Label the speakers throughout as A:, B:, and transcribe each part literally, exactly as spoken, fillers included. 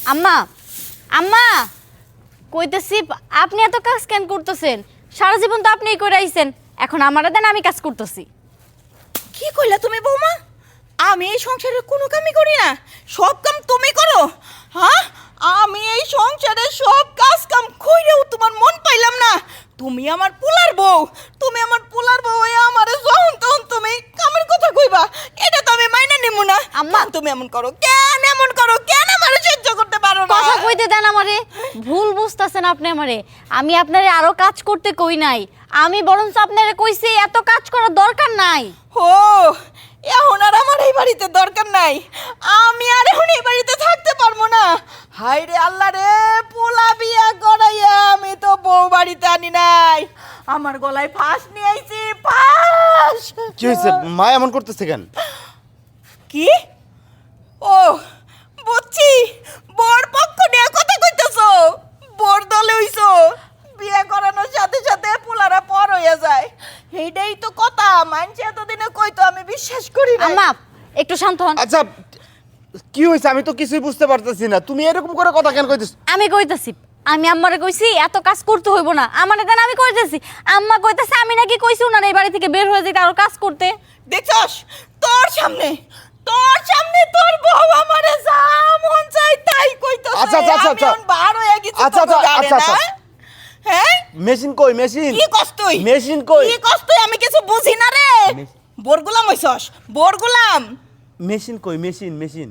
A: আম্মা আম্মা কইতেছি আপনি এত কাজ কেন করতেছেন? সারা জীবন তো আপনিই করে আইছেন, এখন আমারে দেন, আমি কাজ করতেছি।
B: কি কইলা তুমি বৌমা? আমি এই সংসারের কোনো কামই করি না, সব কাম তুমি করো? হ্যাঁ, আমি এই সংসারের সব কাজ কাম কইরেও তোমার মন পাইলাম না। তুমি আমার পোলার বউ, তুমি আমার পোলার বউ হয়ে আমারে যখন তখন তুমি কামের কথা কইবা, এটা তো আমি মাইনা নিমু না।
A: আম্মা
B: তুমি এমন করো কেন? এমন করো কেন? আমারে সহ্য করতে পারো না?
A: কথা কইতে দেন আমারে। ভুল বুঝতাছেন আপনি আমারে। আমি আপনারে আরো কাজ করতে কই নাই, আমি বরঞ্চ আপনারে কইছি এত কাজ করার দরকার নাই।
B: ও, এখন আর আমার এই বাড়িতে দরকার নাই, আমি আর এখন এই বাড়িতে থাকতে পারবো না। হাই রে আল্লাহ রে, পোলা বিয়া করাইয়া আমি তো বউ বাড়িতে আনি নাই, আমার গলায় ফাঁস নিয়ে আইছি, ফাঁস।
C: কি হয়েছে মা এমন করতেছে কেন?
B: কি? ও বুঝছি, বর পক্ষ নিয়ে কথা কইতেছো, বর দলে হইছো, বিয়ে করানোর সাথে সাথে পোলারা পর হইয়া যায়, এইটাই তো কথা। মানছে এতদিনে কইতো, আমি বিশ্বাস করি না।
A: আম্মা একটু শান্ত হন।
C: আচ্ছা কি হয়েছে আমি তো কিছুই বুঝতে পারতেছি না, তুমি এরকম করে কথা কেন কইতেছ?
A: আমি কইতাছি, আমি আম্মারে কইছি এত কাজ করতে হইব না, আমারে দেন, আমি কইতেছি। আম্মা কইতাছে আমি নাকি কইছি উনার এই বাড়ি থেকে বের হয়ে যেতে আরো কাজ করতে।
B: দেখছস, তোর সামনে তোর সামনে তোর বউ আমারে যা মন চাই তাই কইতাছে।
C: আচ্ছা, আচ্ছা, আচ্ছা, আচ্ছা।
B: আমি বার হয়ে গেছি।
C: আচ্ছা,
B: তো
C: আচ্ছা,
B: জানে
C: আচ্ছা,
B: না?
C: আচ্ছা।
B: হ্যাঁ,
C: মেশিন কই? মেশিন
B: কি কস তুই?
C: মেশিন কই?
B: কি কস তুই? আমি কিছু বুঝি না রে।
C: মেশ-
B: বোর গোলাম হইছস, বোর গোলাম।
C: মেশিন কই? মেশিন মেশিন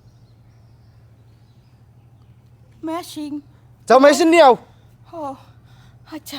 B: ম্যাশিং।
C: যাও মেশিন নিয়ে আও।
B: ও আচ্ছা।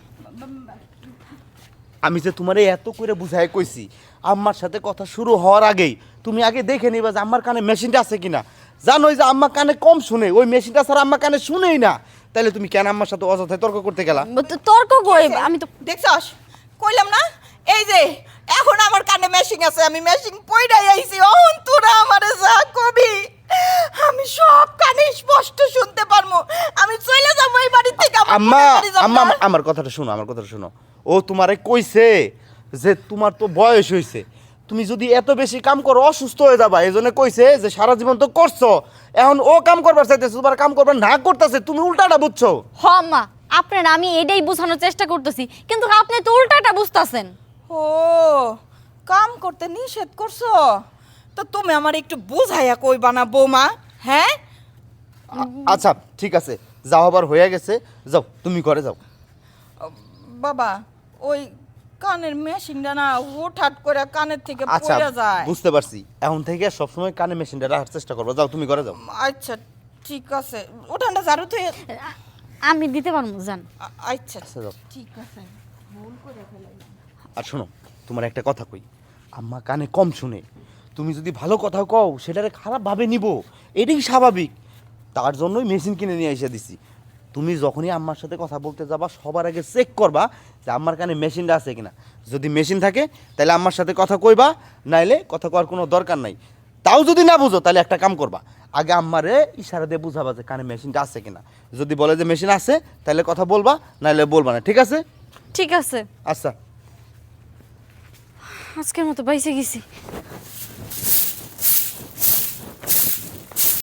C: আমি যে তোমারে এত করে বুঝাই কইছি, আম্মার সাথে কথা শুরু হওয়ার আগেই তুমি আগে দেখে নিবা যে আম্মার কানে মেশিনটা আছে কিনা। জানোই যে আম্মা কানে কম শুনে, ওই মেশিনটা ছাড়া আম্মা কানে শুনেই না, তাহলে তুমি কেন আম্মার সাথে অযথায় তর্ক করতে গেলা?
A: তো- তর্ক কই? আমি তো
B: দেখছস, কইলাম না, এই যে এখন আমার কানে মেশিং আছে, আমি মেশিং পইড়াই আইছি। ওহন তোরা আমারে যা কবি আমি সব কানে স্পষ্ট শুনতে পারমু। আমি চলে যাব এই বাড়ি থেকে। আমার
C: আম্মা
B: বোনের বাড়ি যাব
C: আম্মা
B: না।
C: আমার কথাটা শোনো, আমার কথাটা শোনো। ও তোমারে কইছে যে তোমার তো বয়স হইছে, তুমি যদি এত বেশি কাম করো অসুস্থ হয়ে যাবা, এই জন্য কইছে যে সারা জীবন তো করছো, এখন ও কাম করবার চাইতেছে, তোমার কাম করবার না করতেছে, তুমি উল্টাটা বুঝছো।
A: হ আম্মা, আপনার আমি এটাই বোঝানোর চেষ্টা করতেছি, কিন্তু আপনি তো উল্টাটা বুঝতাছেন।
B: ও, কাম করতে নিষেধ করছো? তো তুমি আমার একটু বুঝাইয়া কইবা না বৌমা? হ্যাঁ,
C: আ- আচ্ছা ঠিক আছে, যাও, আবার হয়ে গেছে, যাও তুমি ঘরে যাও।
B: বাবা ওই কানের মেশিনটা না হুটহাট করে কানের থেকে
C: আচ্ছা
B: পড়ে যায়।
C: বুঝতে পারছি, এখন থেকে সবসময় কানে মেশিনটা রাখার চেষ্টা করবো। যাও তুমি ঘরে যাও।
B: আচ্ছা ঠিক আছে, উঠানটা ঝাড়ু থেকে।
A: আমি দিতে পারবো, জান।
B: আচ্ছা
C: আচ্ছা যাও।
B: ঠিক আছে, ভুল করে ফেলাইলাম।
C: আর শোনো, তোমার একটা কথা কই, আম্মা কানে কম শুনে, তুমি যদি ভালো কথা কও সেটারে খারাপভাবে নিব, এটাই স্বাভাবিক। তার জন্যই মেশিন কিনে নিয়ে এসে দিছি। তুমি যখনই আম্মার সাথে কথা বলতে যাবা সবার আগে চেক করবা যে আম্মার কানে মেশিনটা আছে কিনা। যদি মেশিন থাকে তাহলে আম্মার সাথে কথা কইবা, নাইলে কথা কওয়ার কোনো দরকার নাই। তাও যদি না বুঝো তাহলে একটা কাম করবা, আগে আম্মারে ইশারা দিয়ে বুঝাবা যে কানে মেশিনটা আছে কিনা। যদি বলে যে মেশিন আছে তাহলে কথা বলবা, নাইলে বলবা না, ঠিক আছে?
A: ঠিক আছে,
C: আচ্ছা।
A: আজকের মতো বাইসে গেছি।